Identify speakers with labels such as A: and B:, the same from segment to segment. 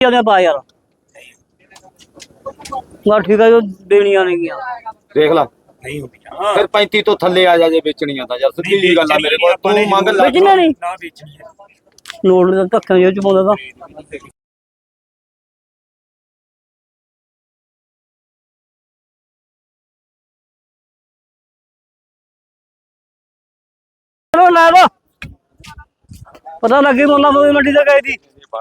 A: पा यार ठीक है जो देनिया नहीं
B: देख ला नहीं होती फिर 35 तो थल्ले आ जा जे बेचणियां ता यार सिੱਧੀ ਜੀ ਗੱਲ ਆ ਮੇਰੇ ਕੋਲ ਤੂੰ ਮੰਗ ਲੈ
A: बेचना नहीं ना बेचनी है नोट दा धक्का जो च पाਉਂਦਾ ਤਾਂ चलो ला दो पता लगे मोला मंडी तक गई थी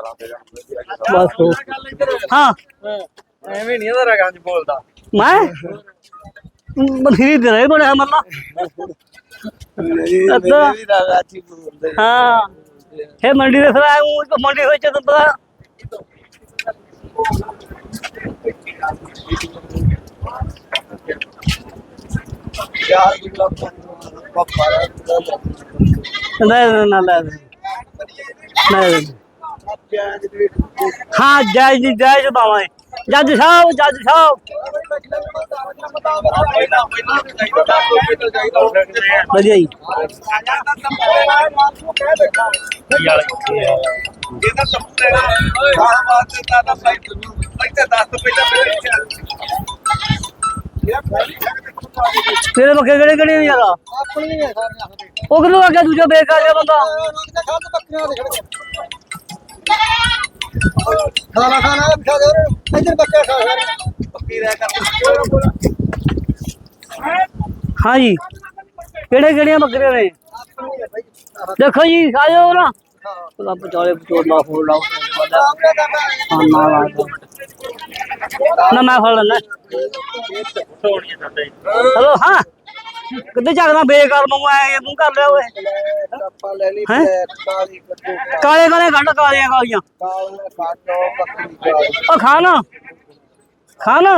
A: बस हाँ
B: ਐਵੇਂ ਨਹੀਂ ਇਹਦਾ ਰਗਾਂ ਚ ਬੋਲਦਾ
A: मैं बथेरी दे रहे बड़े मल्ला हाँ हे मंडी से आया हूँ तो मंडी से चल पता नहीं हाँ जायज बाबा जज साहब बढ़िया जी तेरे बक्के केड़े केड़े यार वो किलो आगे दूजा बेकार है बंदा
C: खाना खाना बिठा दे इधर बच्चा खा पक्की रह कर
A: हाँ जी केड़े केड़े बकरे ने देखो जी आ जाओ ना पचाले पचोला फोड़ लाओ ना मैं फड़ लेना हेलो हाँ कितने जागना बेकार मंगवाया तू कर लिया ओए काले काले गंढ कालियां कालियां ओ खाना खाना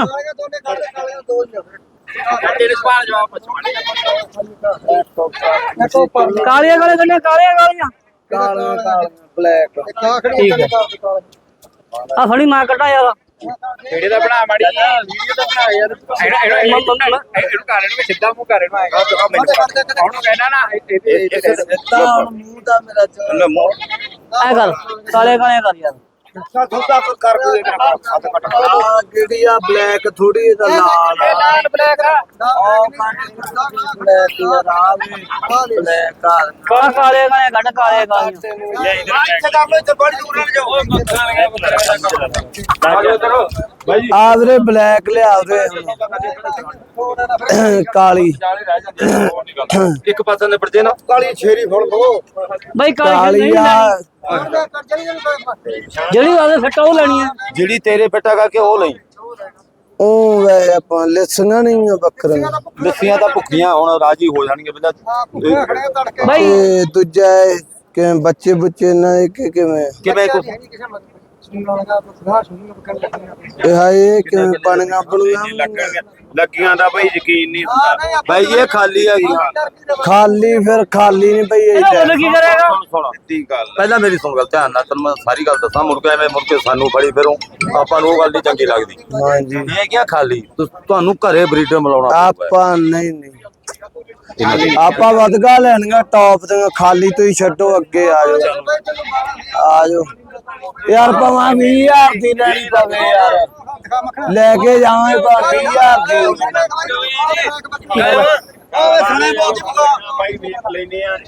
A: कालियां काले गंढ कालियां कालियां
C: ब्लैक
A: ठीक है आ फड़ी मां कटा यार
B: ਵੀਡੀਓ ਦਾ ਬਣਾ ਮਾੜੀ ਵੀਡੀਓ ਦਾ ਬਣਾ ਯਾਰ ਇਹਨੂੰ ਕਾਰਨ ਵਿੱਚ ਸਿੱਧਾ ਮੂੰਹ ਕਰ ਇਹਨੂੰ ਆਏਗਾ ਤੂੰ ਮੈਨੂੰ ਉਹਨੂੰ ਕਹਿਣਾ ਨਾ
C: ਇਹ ਮੂੰਹ ਦਾ ਮੇਰਾ
B: ਲੈ ਮੂੰਹ
A: ऐ कर काले काले कर यार
C: ਥੋੜਾ ਕਰ ਕੋਈ ਕਿਹੜੀਆ ਬਲੈਕ ਥੋੜੀ ਇਹਦਾ ਲਾਲ ਬਲੈਕ ਬਲੈਕ ਯਾਰ ਆ ਵੀ ਬਲੈਕ
A: काले काले गंढ काले कालियां
B: ਲੈ ਇਧਰ ਕਰ ਲੋ ਇੱਥੇ ਬੜੀ ਦੂਰ ਨਾ ਜਾਓ ਉਹ ਮੱਖਾਂ ਆ ਜਾਓ ਭਾਈ
C: ਆਦਰੇ ਬਲੈਕ ਲਿਆ ਦੇ ਕਾਲੀ
B: ਇੱਕ ਪਾਸੇ ਨੇ ਪਰਦੇ ਨਾ ਕਾਲੀ ਛੇਰੀ ਫੜ ਲੋ
A: भाई
C: ਕਾਲੀ
A: काली
C: ਆ
A: ਜਿਹੜੀ ਵਾਲੇ ਫਟਾ ਉਹ ਲੈਣੀ ਹੈ
B: ਜਿਹੜੀ ਤੇਰੇ ਪਿੱਟਾ ਕਰਕੇ ਉਹ ਲਈ
C: ਉਹ ਵੇ ਆਪਾਂ ਲਿਸੀਆਂ ਨਹੀਂ ਆ ਬੱਕਰੀਆਂ
B: ਲੱਸੀਆਂ ਤਾਂ ਭੁੱਖੀਆਂ ਹੁਣ ਰਾਜੀ ਹੋ ਜਾਣਗੇ ਪਹਿਲਾਂ
A: ਭਾਈ
C: ਤੇ ਦੂਜਾ ਕਿ ਬੱਚੇ ਬੁੱਚੇ ਨਾ ਕਿਵੇਂ
B: ਕਿਵੇਂ
C: ਇਹ ਹਾਏ ਕਿਵੇਂ ਬਣੀਆਂ ਬਣੀਆਂ
B: ਲੱਗੀਆਂ ਦਾ ਭਾਈ ਯਕੀਨ ਨਹੀਂ ਹੁੰਦਾ ਭਾਈ ਇਹ ਖਾਲੀ ਹੈਗੀ
C: ਖਾਲੀ ਫਿਰ ਖਾਲੀ ਨਹੀਂ ਪਈ
A: ਇਹਦਾ ਕੀ ਕਰੇਗਾ
B: ਸੁਣ ਸਿੱਧੀ ਗੱਲ ਪਹਿਲਾਂ ਮੇਰੀ ਸੁਣ ਗੱਲ ਧਿਆਨ ਨਾਲ ਤੈਨੂੰ ਮੈਂ ਸਾਰੀ ਗੱਲ ਦੱਸਾਂ ਮੁੜ ਕੇ ਐਵੇਂ ਮੁੜ ਕੇ ਸਾਨੂੰ ਫੜੀ ਫਿਰੋਂ ਆਪਾਂ ਨੂੰ ਉਹ ਗੱਲ ਨਹੀਂ ਚੰਗੀ ਲੱਗਦੀ
C: ਹਾਂਜੀ
B: ਇਹ ਕਿਹਾ ਖਾਲੀ ਤੁਹਾਨੂੰ ਘਰੇ ਬਰੀਡਰ ਮਿਲਾਉਣਾ
C: ਆਪਾਂ ਨਹੀਂ ਆਪਾਂ ਵਧਗਾ ਲੈਣੀਆਂ ਟੌਪ ਦੀਆਂ ਖਾਲੀ ਤੁਸੀਂ ਛੱਡੋ ਅੱਗੇ ਆ ਜਾਓ ਯਾਰ ਭਾਵੇਂ 20000 ਦੀ ਲੈਣੀ ਪਵੇ ਯਾਰ ਲੈ ਕੇ ਜਾਵਾਂ ਭਾਵੇਂ 20000 ਦੀ
B: ਓਏ ਸਣੇ ਬਹੁਤ ਭਾਈ ਵੇਖ ਲੈਨੇ ਆ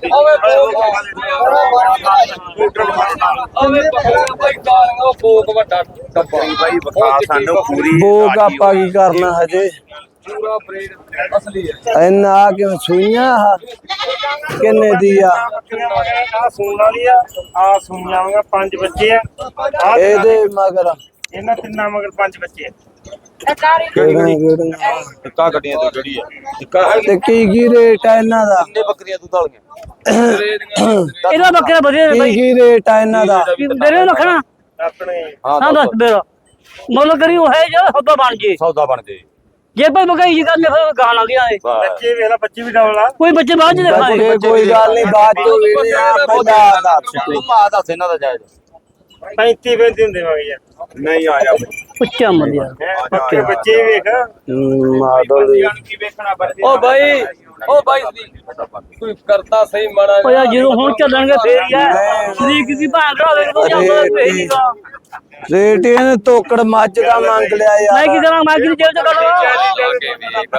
B: ਓਏ ਭੋਗ ਵੱਡਾ ਟੱਬਰੀ ਭਾਈ ਵਿਖਾ ਸਾਨੂੰ ਪੂਰੀ
C: ਭੋਗ ਆਪਾਂ ਕੀ ਕਰਨਾ ਹਜੇ
B: ਪੂਰਾ ਬਰੀਡ ਅਸਲੀ ਹੈ
C: ਇੰਨਾ ਆ ਕਿ ਸੂਈਆਂ ਕਿੰਨੇ ਦੀ ਆ
D: ਆ ਸੂਣ ਵਾਲੀ ਆ ਸੂਈਆਂ ਵਾਂਗਾ 5 ਬੱਚੇ ਆ
C: ਇਹਦੇ ਮਗਰ
D: ਇਹਨਾਂ ਤਿੰਨਾਂ ਮਗਰ 5 ਬੱਚੇ ਆ
C: ਕਿਹੜੀਆਂ
B: ਟਿੱਕਾ ਗੱਡੀਆਂ ਤੋਂ ਜਿਹੜੀ ਹੈ ਟਿੱਕਾ
C: ਤੇ ਕੀ ਰੇਟ ਆ ਇਹਨਾਂ ਦਾ
B: ਕਿੰਨੇ ਬੱਕਰੀਆਂ ਤੂੰ ਧਾਲੀਆਂ
A: ਇਹਦਾ ਬੱਕਰਾ ਵਧੀਆ ਹੈ ਭਾਈ
C: ਕੀ ਰੇਟ ਆ ਇਹਨਾਂ ਦਾ
A: ਮੇਰੇ ਰੱਖਣਾ
D: ਆਪਣੇ
A: ਹਾਂ ਦੱਸ ਮੇਰਾ ਮੁੱਲ ਕਰੀ ਉਹ ਹੈ ਜਿਹੜਾ ਸੌਦਾ ਬਣ ਜੇ
B: ਸੌਦਾ ਬਣ ਜੇ
A: ਜੇ ਭਾਈ ਮਗਾਈ ਜੀ ਕਰਨੇ ਫਿਰ ਗਾਣ ਆਉਂਦੀਆਂ ਨੇ
D: ਬੱਚੇ ਵੇਖ ਲੈ ਬੱਚੇ ਵੀ ਡਬਲ ਆ
A: ਕੋਈ ਬੱਚੇ ਬਾਅਦ ਚ ਦੇਖਾਂਗੇ
C: ਕੋਈ ਗੱਲ ਨਹੀਂ ਬਾਅਦ ਚੋਂ ਵੇਖਦੇ ਆ ਪਹਿਲਾਂ ਦੱਸ
B: ਤੂੰ ਮਾ ਦੱਸ ਇਹਨਾਂ ਦਾ ਜਾਇਜ਼
D: 35 35 ਹੁੰਦੇ ਮਗੇ ਯਾਰ
B: ਨਹੀਂ ਆਇਆ
A: ਪੁੱਛਿਆ ਮਰ ਯਾਰ
D: ਪੱਕੇ ਬੱਚੇ ਵੇਖ
C: ਮਾਡਲ
B: ਕੀ ਵੇਖਣਾ
A: ਓ ਭਾਈ
B: ਉਹ ਬਾਈ ਕੋਈ ਕਰਤਾ ਸਹੀ ਮਾੜਾ
A: ਓ ਯਾਰ ਜਦੋਂ ਹੁਣ ਚੱਲਣਗੇ ਫੇਰ ਹੀ ਆ ਸ਼ਰੀਕ ਦੀ ਭਾਂ ਦਾ ਵੇਖ ਤੂੰ ਜਾਂਦਾ ਫੇਰ ਹੀ ਆ
C: ਰੇਟ ਇਹਨੇ ਤੋਕੜ ਮੱਝ ਦਾ ਮੰਗ ਲਿਆ
A: ਮੈਂ ਕੀ
C: ਯਾਰ
A: ਕਰਾਂ ਮੈਂ ਕੀ ਜੇਲ੍ਹ ਚ ਕਰਾਂ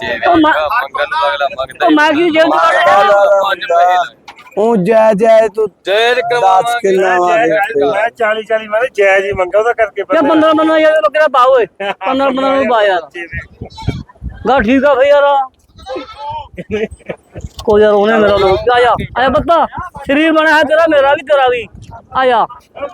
A: ਉਹ ਮੈਂ ਕੀ ਜੇਲ੍ਹ ਚ ਕਰਾਂ
C: ਉਹ ਜੈ ਜੈ ਤੂੰ
B: ਜੇਲ੍ਹ
C: 10 ਕਿੱਲਾ
D: ਮੈਂ 40 ਮੈਂ ਜਾਇਜ਼ ਹੀ ਮੰਗਾ ਉਹਦਾ ਕਰਕੇ
A: ਕਿਆ 15 ਯਾਰ ਬੱਕਰਾ ਪਾ ਓਏ 15 ਨੂੰ ਪਾ ਯਾਰ ਗਾ ਠੀਕ ਆ ਫੇ ਯਾਰ ਕੋਈ ਯਾਰ ਉਹਨੇ ਮੇਰਾ ਲੋਕ ਆਇਆ ਬੱਤਾ ਸਰੀਰ ਬਣਿਆ ਤੇਰਾ ਮੇਰਾ ਵੀ ਤੇਰਾ ਵੀ ਆਇਆ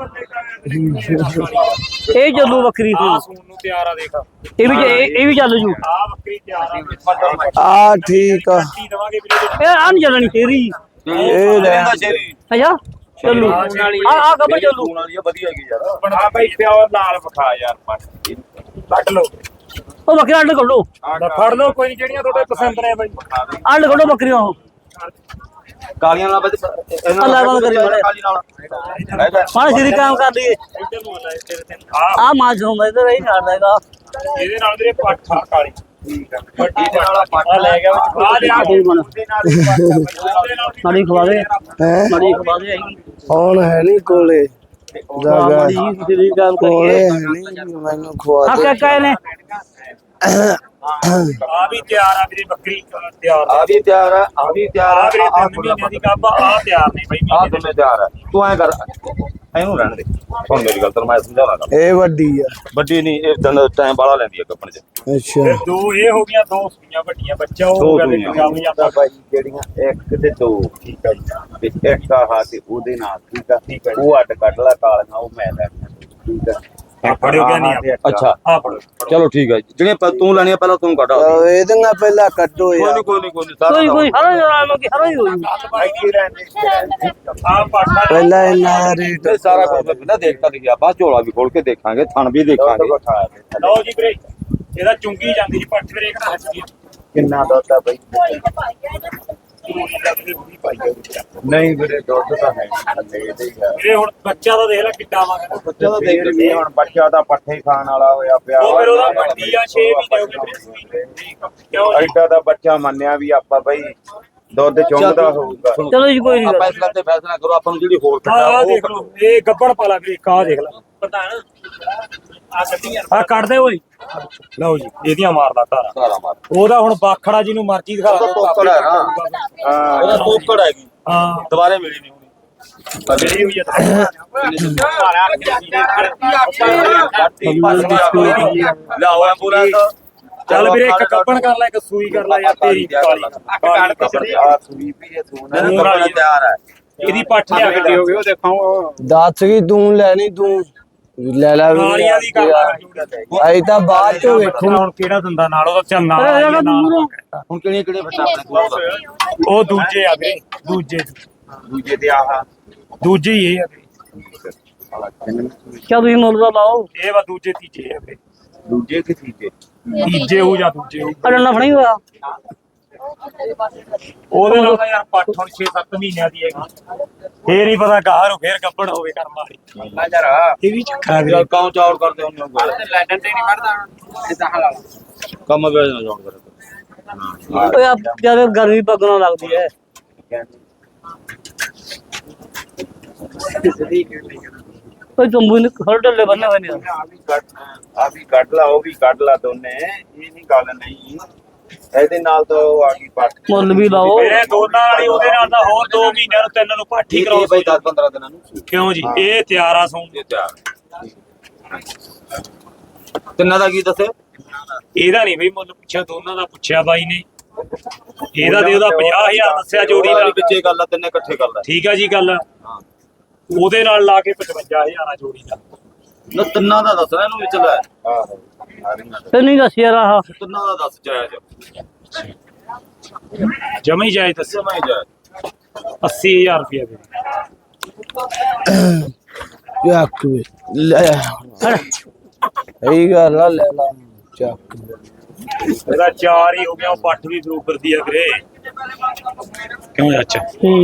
A: ਇਹ ਚੱਲੂ ਬੱਕਰੀ ਤੂੰ
D: ਸੂਣ ਨੂੰ ਤਿਆਰ ਆ ਦੇਖ
A: ਇਹ ਵੀ ਚੱਲ ਜੂ
D: ਆ ਬੱਕਰੀ ਤਿਆਰ ਆ
C: ਆ ਠੀਕ ਆ
D: ਕੀ ਦਵਾਂਗੇ ਵੀਰੇ
A: ਇਹ ਆਂ ਚੱਲਣੀ ਤੇਰੀ
C: ਇਹ ਲੈ
A: ਅੱਛਾ ਚੱਲੂ ਆ ਕਬਰ ਚੱਲੂ
D: ਬਣਾ ਭਾਈ ਪਿਓ ਨਾਲ ਵਿਖਾ ਯਾਰ ਕੱਢ ਲਓ
A: ਉਹ ਬੱਕਰਾ ਅੱਡ ਕੱਢੋ
D: ਫੜ ਲਓ ਕੋਈ ਨੀ, ਜਿਹੜੀਆਂ ਤੁਹਾਡੇ ਪਸੰਦ ਨੇ ਬਾਈ
A: ਅੱਡ ਕੱਢੋ ਬੱਕਰੀਆਂ ਉਹ
B: ਕਾਲੀਆਂ ਨਾਲ ਬੱਚ
A: ਅੱਲਾ ਬੰਦ ਕਰੀ ਮਾੜਾ ਸ਼ਰੀ ਕੰਮ ਕਰ ਲਈਏ ਆ ਮਾਂ ਜੋਂਦਾ ਇਧਰ ਹੀ ਛੱਡਦਾ ਇਹਦਾ
D: ਇਹਦੇ ਨਾਲ ਵੀਰੇ ਪੱਠਾ ਕਾਲੀ ਠੀਕ ਆ ਵੱਡੀ ਨਾਲ
B: ਪੱਠਾ
D: ਲੈ ਗਿਆ ਵਿੱਚ ਆ ਲਿਆ ਉਹਦੇ ਨਾਲ ਵੀ ਉਹਦੇ ਨਾਲ ਵੀ
A: ਮਾੜੀ ਖਵਾ ਦੇ
C: ਹੈ
A: ਮਾੜੀ ਖਵਾ ਦੇ ਆਈ
C: ਹੁਣ ਹੈ ਨਹੀਂ ਕੋਲੇ ਜਗਾ
A: ਮਾੜੀ ਸ਼ਰੀ ਕੰਮ
C: ਕੋਲੇ
A: ਕਰੀਏ
C: ਹੈ ਨਹੀਂ ਮੈਨੂੰ ਖਵਾ
A: ਆ
C: ਦੇ
A: ਕਿਆ ਕਹੇ ਨੇ
D: ਆ ਵੀ ਤਿਆਰ ਆ ਵੀਰੇ ਬੱਕਰੀ ਤਿਆਰ
B: ਆ ਵੀ ਤਿਆਰ ਆ ਆ ਵੀ ਤਿਆਰ
D: ਆ
B: ਆ
D: ਵੀਰੇ 3 ਮਹੀਨਿਆਂ ਦੀ ਗੱਭ ਆ ਤਿਆਰ ਨੇ ਬਾਈ
B: ਆ ਦੋਨੇ ਤਿਆਰ ਆ ਤੂੰ ਐ ਕਰ ਇਹਨੂੰ ਰਹਿਣ ਦੇ ਹੁਣ ਮੇਰੀ ਗੱਲ ਤੈਨੂੰ ਮੈਂ ਸਮਝਾਉਣਾ ਗੱਲ
C: ਇਹ ਵੱਡੀ ਆ
B: ਵੱਡੀ ਨਹੀਂ ਇਹ ਦਿਨ ਟਾਈਮ ਬਾਲਾ ਲੈਂਦੀ ਆ ਕੱਪਣ ਚ
C: ਅੱਛਾ
D: ਫਿਰ ਦੋ ਇਹ ਹੋ ਗਈਆਂ ਦੋ ਸੂਈਆਂ ਵੱਡੀਆਂ ਬੱਚਾ ਉਹ ਹੋ ਗਿਆ ਤੇ ਕੰਮ ਜਾਂਦਾ
E: ਭਾਈ ਜਿਹੜੀਆਂ ਇੱਕ ਤੇ ਦੋ ਠੀਕ ਹੈ ਜੀ ਤੇ ਇੱਕ ਆਹ ਤੇ ਉਹਦੇ ਨਾਲ ਠੀਕ ਹੈ ਉਹ ਅੱਡ ਕੱਢ ਲਾ ਕਾਲੀਆਂ ਉਹ ਮੈਂ ਲੈਣੀਆਂ ਠੀਕ ਹੈ
D: ਫੜਿਓ ਗਿਆ ਨਹੀਂ
B: ਅੱਛਾ
D: ਆ ਫੜੋ
B: ਚਲੋ ਠੀਕ ਹੈ ਜਿਹੜੀਆਂ ਤੂੰ ਲੈਣੀਆਂ ਪਹਿਲਾਂ ਤੂੰ ਕੱਢ
C: ਇਹਦੀਆਂ ਪਹਿਲਾਂ ਕੱਢੋ
B: ਕੋਈ
C: ਯਾਰ
B: ਨਹੀਂ ਕੋਈ ਨਹੀਂ ਕੋਈ ਨਹੀਂ
A: ਕੋਈ
B: ਸਾਰਾ
A: ਕੋਈ ਹਰਾ ਜਰਾ ਕਿ ਹਰਾ ਹੀ ਹੋਈ
D: ਆ ਪਾਠਾ
C: ਪਹਿਲਾਂ ਇਹਨਾਂ ਰੇਟ
B: ਇਹ ਸਾਰਾ ਕੁਝ ਪਹਿਲਾਂ ਦੇਖਤਾ ਲਿਖਿਆ ਬਾਅਦ ਝੋਲਾ ਵੀ ਖੋਲ ਕੇ ਦੇਖਾਂਗੇ ਥਣ ਵੀ ਦੇਖਾਂਗੇ
D: ਲਓ ਜੀ ਵੀਰੇ ਇਹਦਾ ਚੁੰਗੀ ਜਾਂਦੀ ਜੀ ਪੱਠ ਵੀਰੇ ਕਿਹੜਾ ਹੱਸਦੀ
E: ਕਿੰਨਾ ਦੁੱਧ ਆ ਬਈ ਨਹੀਂ ਵੀਰੇ ਦੁੱਧ ਤਾਂ ਹੈ ਥੱਲੇ ਇਹਦੇ ਹੀ ਆ
D: ਵੀਰੇ ਹੁਣ ਬੱਚਾ ਤਾਂ ਦੇਖ ਲੈ ਕਿੱਡਾ ਵਾਂਗਾ
E: ਬੱਚਾ ਤਾਂ ਦੇਖ ਲਈ ਹੁਣ ਬੱਚਾ ਦਾ ਪੱਠੇ ਖਾਣ ਵਾਲਾ ਹੋਇਆ ਪਿਆ
D: ਉਹ ਫਿਰ ਉਹਦਾ ਵੱਡੀ ਆ 6 ਮਹੀਨੇ ਹੋ ਗਏ ਵੀਰੇ ਸੂਈ ਕਿਉਂ ਜੀ
E: ਐਡਾ ਦਾ ਬੱਚਾ ਮੰਨਿਆ ਵੀ ਆਪਾਂ ਬਈ ਦੁੱਧ ਚੁੰਗਦਾ ਹੋਊਗਾ
A: ਚਲੋ ਜੀ ਕੋਈ
B: ਆਪਾਂ
A: ਨਹੀਂ
B: ਇਸ ਗੱਲ ਤੇ ਫੈਸਲਾ ਕਰੋ ਆਪਾਂ ਨੂੰ ਜਿਹੜੀ ਹੋਰ
D: ਆ ਦੇਖ ਲਓ ਇਹ ਗੱਬੜ ਪਾਲਾ ਵੀਰੇ ਕਾ ਦੇਖ ਲੈ ਪ੍ਰਧਾਨ ਆ ਕੱਢੀਆਂ ਆ ਕੱਢਦੇ ਓਏ ਲਓ ਜੀ ਇਹਦੀਆਂ ਮਾਰਦਾ ਧਾਰਾ
B: ਸਾਰਾ ਮਾਰ
D: ਉਹਦਾ ਹੁਣ ਬਾਖੜਾ ਜਿਹਨੂੰ ਮਰਜ਼ੀ ਦਿਖਾ
B: ਉਹਦਾ ਤੋਕੜ ਹੈ ਨਾ ਉਹਦਾ ਤੋਕੜ ਹੈਗੀ
D: ਹਾਂ
B: ਦੁਬਾਰੇ ਮਿਲੀ ਨਹੀਂ ਹੋਣੀ
D: ਜਿਹੜੀ ਹੋਈ ਆ
B: ਲਿਆਓ ਐਂਬੂਲੈਂਸ
D: ਚੱਲ ਵੀਰੇ ਇੱਕ ਕੱਪਣ ਕਰ ਲੈ ਇੱਕ ਸੂਈ ਕਰ ਲੈ ਯਾਰ ਤੇਰੀ ਕਾਲੀ
E: ਆ ਸੂਈ ਵੀ ਇਹ ਸੂਣਾ
B: ਕੱਪੜਾ ਤਿਆਰ ਹੈ
D: ਇਹਦੀ ਪੱਠ ਲਿਆ ਕੇ ਦਿਓ
B: ਉਹ ਦੇਖਾਓ
C: ਦੱਸ ਕੀ ਤੂੰ ਲੈਣੀ ਤੂੰ ਲੈ ਲੈ
D: ਕਾਲੀਆਂ ਦੀ ਕਰ ਲੈ
C: ਅਈ ਤਾਂ ਬਾਅਦ ਚ ਵੇਖੂ
D: ਹੁਣ ਕਿਹੜਾ ਦੰਦਾ ਨਾਲ ਉਹਦਾ ਚੱਲ ਨਾਲ
A: ਅਰੇ
D: ਆ
A: ਯਾਰ
D: ਨਾਲ
A: ਦੂਰੋਂ
B: ਹੁਣ ਕਿਹੜੀਆਂ ਕਿਹੜੀਆਂ ਫਟਾ ਆਪਣੇ ਕੋਲ ਦਾ
D: ਉਹ ਦੂਜੇ ਆ ਵੀਰੇ ਦੂਜੇ
E: ਦੂਜੇ ਤੇ ਆਹ
D: ਦੂਜੇ ਹੀ ਇਹ ਆ ਵੀਰੇ
A: ਕਿਆ ਤੁਸੀਂ ਮੁੱਲ ਦਾ ਲਾਓ
D: ਇਹ ਵਾ ਦੂਜੇ ਤੀਜੇ ਆ ਵੀਰੇ
E: ਦੂਜੇ ਕਿ ਤੀਜੇ
D: ਤੀਜੇ ਹੋ ਜਾਂ ਦੂਜੇ ਹੋ
A: ਅੜਨਾ ਫਣੀ ਹੋਇਆ
D: ਉਹਦੇ ਨਾਲ ਤਾਂ ਯਾਰ ਪੱਠ ਹੁਣ 6-7 ਮਹੀਨਿਆਂ ਦੀ ਹੈਗੀ ਫੇਰ ਹੀ ਪਤਾ ਗਾਹਰ ਹੋ ਫੇਰ ਗੱਬੜ ਹੋਵੇ ਕਰਮ ਵਾਲੀ
E: ਨਾ ਯਾਰ
D: ਇਹ ਵੀ ਚੱਕਾ
B: ਯਾਰ ਕਾਉਂ ਚੌੜ ਕਰਦੇ ਹੁੰਦੇ ਹੋ
E: ਲੈਟਨ ਤੇ ਨਹੀਂ ਮਰਦਾ ਇਦਾਂ ਹਾਲ
B: ਕੰਮ ਵੇਚ ਨਾ ਚੌੜ ਕਰਦੇ
A: ਓਏ ਆ ਜਿਆਦਾ ਗਰਮੀ ਪਗਣਾ ਲੱਗਦੀ ਹੈ ਓਏ ਤੰਬੂ ਨੇ ਹਰ ਢੱਲੇ ਬੰਨੇ ਹੋਏ ਨੇ
E: ਆ ਵੀ ਕੱਢ ਲਾ ਉਹ ਵੀ ਕੱਢ ਲਾ ਦੋਨੇ ਇਹ ਨਹੀਂ ਗੱਲ ਨਹੀਂ ਇਹਦੇ ਨਾਲ ਤਾਂ ਉਹ ਆ ਗਈ ਪੱਟ
A: ਮੁੱਲ ਵੀ ਲਾਓ
D: ਮੇਰੇ ਦੋਨਾਂ ਵਾਲੀ ਉਹਦੇ ਨਾਲ ਤਾਂ ਹੋਰ 2 ਮਹੀਨਿਆਂ ਨੂੰ 3 ਨੂੰ ਪਾਠੀ
B: ਠੀਕ
D: ਕਰਾਓ
B: ਹੈ ਬਈ 10-15 ਦਿਨਾਂ ਨੂੰ
D: ਕਿਉਂ ਜੀ ਇਹ ਤਿਆਰ ਆ ਸੌਂ
B: ਇਹ ਤਿਆਰ ਤਿੰਨਾਂ ਦਾ ਕੀ ਦੱਸੇ
D: ਇਹਦਾ ਨਹੀਂ ਬਈ ਮੁੱਲ ਪੁੱਛਿਆ ਦੋਨਾਂ ਦਾ ਪੁੱਛਿਆ ਬਾਈ ਨੇ ਇਹਦਾ ਦੇ ਉਹਦਾ 50000 ਦੱਸਿਆ ਜੋੜੀ ਦਾ
B: ਵਿੱਚੇ ਗੱਲ ਆ ਤਿੰਨੇ ਇਕੱਠੇ ਕਰ ਲੈ
D: ਠੀਕ ਆ ਜੀ ਗੱਲ ਉਹਦੇ ਨਾਲ ਲਾ ਕੇ 55000 ਆ ਜੋੜੀ ਦਾ
B: ਨਾ ਤਿੰਨਾਂ ਦਾ ਦੱਸਣਾ ਇਹਨੂੰ ਵਿੱਚ ਲੈ
E: ਆਹੋ ਸਾਰੀਆਂ
A: ਤੇ ਨਹੀਂ ਦੱਸ ਯਾਰ ਆਹ
B: ਤਿੰਨਾਂ ਦਾ ਦੱਸ ਜਾਇਜ਼
D: ਜਮਾ ਹੀ ਜਾਇਜ਼ ਦੱਸਿਆ
B: ਜਮਾ ਹੀ ਜਾਇਜ਼
D: 80000 ਰੁਪਏ ਦੇ
C: ਚੱਕ ਵੇ ਲੈ ਇਹੀ ਗੱਲ ਆ ਲੈ ਲਾ ਚੱਕ
D: ਇਹਦਾ 4 ਹੀ ਹੋ ਗਿਆ ਉਹ ਪੱਠ ਵੀ ਬਰੂਬਰ ਦੀ ਆ ਵੀਰੇ ਕਿਉਂ ਚਾਚਾ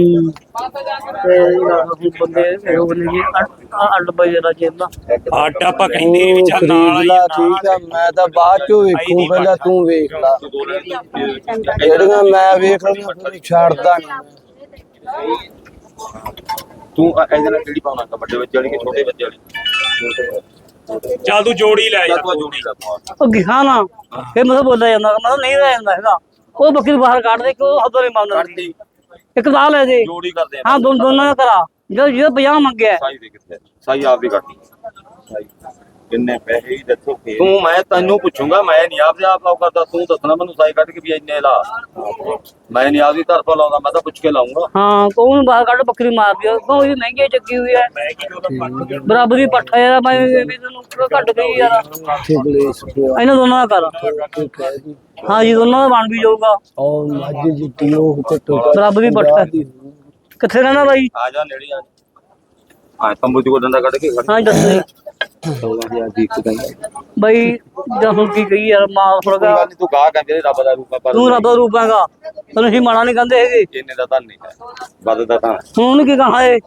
A: ਤੇ ਬੰਦੇ ਉਹ ਬੰਦੇ ਜੀ 8 ਵਜੇ ਦਾ ਚੇਤਾ
D: ਆਟਾ ਆਪਾਂ ਕਹਿੰਦੇ ਨੀ ਵੀ ਚੱਲ ਨਾਲ
C: ਖਰੀਦ
D: ਆਈ
C: ਲਾ ਠੀਕ ਆ ਮੈਂ ਤਾਂ ਬਾਅਦ ਚੋਂ ਵੇਖੂ ਪਹਿਲਾਂ ਤੂੰ ਵੇਖ ਲਾ ਜਿਹੜੀਆਂ ਮੈਂ ਵੇਖ ਲਈਆਂ ਫਿਰ ਛੱਡਦਾ ਨਹੀਂ
E: ਤੂੰ ਇਹਦੇ ਨਾਲ ਕਿਹੜੀ ਪਾਉਣਾ ਵੱਡੇ ਬੱਚੇ ਵਾਲੀ ਕਿ ਛੋਟੇ ਬੱਚੇ ਵਾਲੀ
D: ਚੱਲ ਤੂੰ ਜੋੜੀ ਲੈ ਜਾ
E: ਤੂੰ ਜੋੜੀ ਦਾ ਪਾ
A: ਉਹ ਗਿਖਾ ਨਾ ਫਿਰ ਮੈਂ ਬੋਲਿਆ ਜਾਂਦਾ ਮੈਂ ਨਹੀਂ ਰਹਿ ਜਾਂਦਾ ਹੈਗਾ ਉਹ ਬੱਕਰੀ ਬਾਹਰ ਕੱਢ ਦੇ ਕਿ ਉਹ ਹੱਦੋਂ ਨਹੀਂ ਮੰਨਦਾ
E: ਕੱਢਦੀ
A: ਇੱਕ ਤਾਂ ਲੈ ਦੇ
E: ਜੋੜੀ ਕਰਦੇ
A: ਹਾਂ ਦੋਨਾਂ ਦਾ ਕਰਾ ਜੋ 50 ਮੰਗਿਆ
E: ਸਾਈ ਦੇ ਕਿੱਥੇ ਸਾਈ ਆਪ ਦੀ ਕੱਢੀ ਸਾਈ ਕਿੰਨੇ ਪੈਸੇ ਹੀ ਦੱਸੋ ਤੂੰ ਮੈਂ ਤੈਨੂੰ ਪੁੱਛੂੰਗਾ ਮੈਂ ਨਹੀਂ ਆਪਦੇ ਆਪ ਲਾਉ ਕਰਦਾ ਤੂੰ ਦੱਸਣਾ ਮੈਨੂੰ ਸਾਈ ਕੱਢ ਕੇ ਵੀ ਇੰਨੇ ਲਾ ਮੈਂ ਨਹੀਂ ਆਪਦੀ ਤਰਫੋਂ ਲਾਉਂਦਾ ਮੈਂ ਤਾਂ ਪੁੱਛ ਕੇ ਲਾਉਂਗਾ
A: ਹਾਂ ਕੋਣ ਬਾਹਰ ਕੱਢ ਬੱਕਰੀ ਮਾਰ ਦਿਓ ਕਿਉਂ ਇਹ ਮਹਿੰਗੀ ਚੱਕੀ ਹੋਈ ਹੈ ਬਰਾਬਰ ਦੀ ਪੱਠਾ ਯਾਰ ਮੈਂ ਵੀ ਤੈਨੂੰ ਘੱਟ ਗਈ ਯਾਰ ਇਹਨਾਂ ਦੋਨਾਂ ਦਾ ਕਰ ਹਾਂ ਜੀ ਦੋਨਾਂ ਦਾ ਬਣ ਵੀ ਜਾਊਗਾ
C: ਉਹ ਮੱਝ ਜਿੱਤੀ ਉਹ ਘੱਟੋ
A: ਬਰਾਬਰ ਦੀ ਪੱਠਾ ਕਿੱਥੇ ਰਹਿਣਾ ਬਾਈ
E: ਆ ਜਾ ਨੇੜੇ ਆ ਹਾਂ ਤੰਬੂ ਦੀ ਕੋ ਡੰਡਾ ਕੱਢ ਕੇ
A: ਹਾਂ ਦੱਸ
E: 16000 ਦੀ ਇੱਕ ਦਿਨ
A: ਬਾਈ ਜਾਂ ਹੁਣ ਕੀ ਕਹੀ ਯਾਰ ਮਾਲ
E: ਕੋਈ
A: ਥੋੜਾ
E: ਗੱਲ ਨਹੀਂ ਤੂੰ ਗਾਹ ਕਹਿੰਦੇ ਰੱਬ ਦਾ ਰੂਪ ਆ ਪਰ
A: ਤੂੰ ਰੱਬ ਦਾ ਰੂਪ ਹੈਗਾ ਤੈਨੂੰ ਅਸੀਂ ਮਾੜਾ ਨਹੀਂ ਕਹਿੰਦੇ ਹੈਗੇ
E: ਇੰਨੇ ਦਾ ਤਾਂ ਨਹੀਂ ਹੈ ਵੱਧਦਾ ਤਾਂ
A: ਹੁਣ ਕੀ ਕਹਾਂ ਏ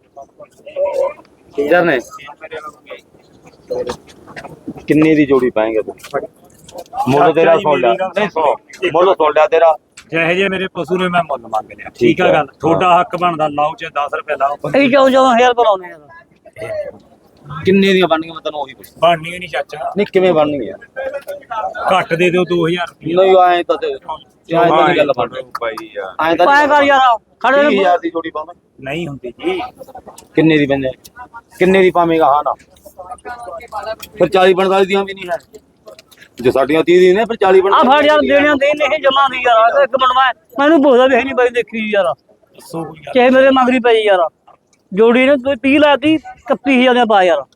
E: ਕਿੰਜਰ ਨੇ ਕਿੰਨੇ ਦੀ ਜੋੜੀ ਪਾਏਂਗੇ ਤੂੰ ਮੁੱਲ ਤੇਰਾ ਸੁਣ ਲਿਆ ਨਹੀਂ ਸੁਣੋ ਮੁੱਲ ਸੁਣ ਲਿਆ ਤੇਰਾ
D: ਜਿਹੇ ਜੇ ਮੇਰੇ ਪਸ਼ੂ ਨੇ ਮੈਂ ਮੁੱਲ ਮੰਗ ਲਿਆ ਠੀਕ ਆ ਗੱਲ ਤੁਹਾਡਾ ਹੱਕ ਬਣਦਾ ਲਾਓ ਚ 10 ਰੁਪਏ ਲਾਓ
A: ਅਸੀਂ 14,000 ਬੁਲਾਉਨੇ ਆ
E: ਕਿੰਨੇ ਦੀਆਂ ਬਣਨੀਆਂ ਮੈਂ ਤੈਨੂੰ ਉਹੀ ਪੁੱਛ
D: ਬਣਨੀ ਨਹੀਂ ਚਾਚਾ
E: ਨਹੀਂ ਕਿਵੇਂ ਬਣਨੀਆਂ
D: ਘੱਟ ਦੇ ਦਿਓ 2000 ਰੁਪਏ
E: ਨਹੀਂ ਆਏ ਤਾਂ ਤੇ ਆਏ ਤਾਂ ਨਹੀਂ ਗੱਲ ਬਣ ਰਹੀ ਭਾਈ ਯਾਰ ਆਏ ਤਾਂ
A: ਪਾਇਆ ਕਰ ਯਾਰ ਖੜੇ
E: 30000 ਦੀ ਜੋੜੀ ਪਾਵਾਂ
D: ਨਹੀਂ ਹੁੰਦੀ ਜੀ
E: ਕਿੰਨੇ ਦੀ ਬੰਦੇ ਕਿੰਨੇ ਦੀ ਪਾਵੇਂਗਾ ਹਾਂ ਨਾ ਫਿਰ 40 45 ਦੀਆਂ ਵੀ ਨਹੀਂ ਹੈ ਜੋ ਸਾਡੀਆਂ 30 ਦੀ ਨੇ ਫਿਰ 40
A: ਆ ਫੜ ਯਾਰ ਦੇਣੀਆਂ ਦੇ ਨਹੀਂ ਜਮਾ ਦੀ ਯਾਰ ਇੱਕ ਮਿੰਟ ਮੈਨੂੰ ਪੁੱਛਦਾ ਵੀ ਹੈ ਨਹੀਂ ਬਾਈ ਦੇਖੀ ਯਾਰ
D: ਦੱਸੋ ਕੋਈ ਗੱਲ।
A: ਚਾਹੇ ਮੇਰੇ ਮਗਰੀ ਪਈ ਯਾਰ ਜੋੜੀ ਨੇ 30 ਲਾਤੀ 31000 ਦੇ ਪਾ ਯਾਰ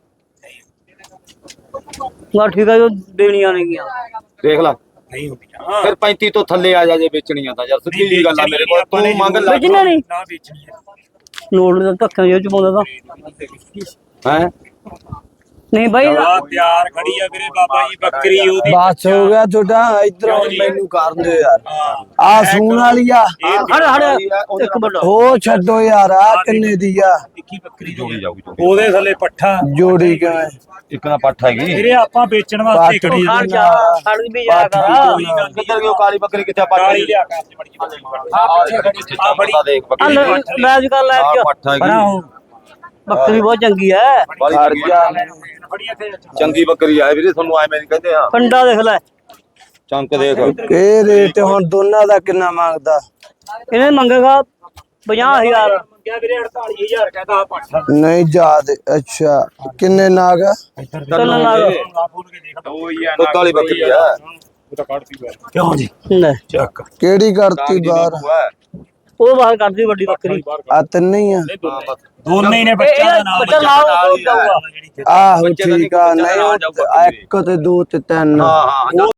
A: ਵਾ ਠੀਕ ਆ ਜੋ ਦੇਣੀਆਂ ਨੇਗੀਆਂ
E: ਦੇਖ ਲੈ
D: ਨਹੀਂ ਹੁੰਦੀਆਂ
E: ਫਿਰ 35 ਤੋਂ ਥੱਲੇ ਆ ਜਾ ਜੇ ਵੇਚਣੀਆਂ ਤਾਂ ਯਾਰ ਸਿੱਧੀ ਜੀ ਗੱਲ ਆ ਮੇਰੇ ਕੋਲ ਤੂੰ ਮੰਗ ਲੈ
A: ਵੇਚਣਾ ਨਹੀਂ
D: ਨਾ ਵੇਚਣੀ ਹੈ
A: ਲੋੜ ਦਾ ਧੱਕਾ ਜੋ ਚ ਪਾਉਂਦਾ ਤਾਂ
E: ਹੈ
A: ਨਹੀਂ ਬਾਈ
D: ਆ ਤਿਆਰ ਖੜੀ ਆ ਵੀਰੇ ਬਾਬਾ ਜੀ ਬੱਕਰੀ ਉਹਦੀ
C: ਬਸ ਹੋ ਗਿਆ ਤੁਹਾਡਾ ਇਧਰੋਂ ਮੈਨੂੰ ਕਰਨ ਦਿਓ ਯਾਰ ਆ ਸੂਣ ਵਾਲੀ ਆ
A: ਹੜ ਇੱਕ ਮਿੰਟ
C: ਉਹ ਛੱਡੋ ਯਾਰ ਆ ਕਿੰਨੇ ਦੀ ਆ
D: ਇੱਕੀ ਬੱਕਰੀ
E: ਜੋੜੀ ਜਾਊਗੀ
D: ਉਹਦੇ ਥੱਲੇ ਪੱਠਾ
C: ਜੋੜੀ ਕਿਵੇਂ
E: ਇੱਕ ਨਾ ਪੱਠ ਹੈਗੀ
D: ਵੀਰੇ ਆਪਾਂ ਵੇਚਣ ਵਾਸਤੇ ਖੜੀ ਆ
A: ਖੜ ਜਾ ਖੜ ਵੀ ਜਾ ਕਰ
E: ਕਿੱਧਰ ਗਈ ਉਹ ਕਾਲੀ ਬੱਕਰੀ ਕਿੱਥੇ ਪੱਠ
D: ਕਾਲੀ ਲਿਆ ਕੇ ਆਪਣੀ ਬੜੀ
E: ਆ ਫੜੀ ਦੇਖ
A: ਆ
E: ਬੱਕਰੀ
A: ਲੈ ਅੱਜ ਕੱਲ ਲੈ
E: ਆ
A: ਕੇ
E: ਪੱਠ ਹੈਗੀ
A: ਬੱਕਰੀ ਬਹੁਤ ਚੰਗੀ ਹੈ
E: ਬਾਲੀ
C: ਖੜ
E: ਚੰਗੀ
C: ਜਾ
D: ਫੜੀ ਇੱਥੇ
E: ਚੰਗੀ ਬੱਕਰੀ ਆ ਵੀਰੇ ਤੁਹਾਨੂੰ ਐਵੇਂ ਨਹੀਂ ਕਹਿੰਦੇ ਆ
A: ਕੰਡਾ ਦੇਖ ਲੈ
E: ਚੰਕ ਦੇਖ
C: ਇਹ ਰੇਟ ਹੁਣ ਦੋਨਾਂ ਦਾ ਕਿੰਨਾ ਮੰਗਦਾ
A: ਇਹਨੇ ਮੰਗੇਗਾ 50000
D: ਮੰਗਿਆ ਵੀਰੇ 48000 ਕਹਿੰਦਾ ਆ ਪੱਠਾ
C: ਨਹੀਂ ਯਾਦ ਅੱਛਾ ਕਿੰਨੇ ਨਾਗ ਆ?
A: ਚੱਲਣ ਲੱਗ
D: ਆ ਫੋਨ ਕੇ ਦੇਖ
E: ਦੁੱਧ ਵਾਲੀ ਬੱਕਰੀ ਆ
D: ਉਹ ਤਾਂ ਕੱਢਤੀ ਹੋਇਆ ਕਿਉਂ ਜੀ
A: ਲੈ
D: ਚੱਕ
C: ਕਿਹੜੀ ਕਰਤੀ ਬਾਹਰ
A: ਉਹ ਬਾਹਰ ਕੱਢਦੀ ਵੱਡੀ ਬੱਕਰੀ
C: ਆ ਤਿੰਨੇ ਹੀ ਆ
D: ਦੋਨੇ ਹੀ ਨੇ ਬੱਚਾ ਦਾ ਨਾਮ
A: ਬੱਚਾ ਨਾਲ
C: ਆਹੋ ਠੀਕ ਆ ਨਹੀਂ ਉਹ ਇੱਕ ਤੇ ਦੋ ਤੇ ਤਿੰਨ
E: ਹਾਂ ਹਾਂ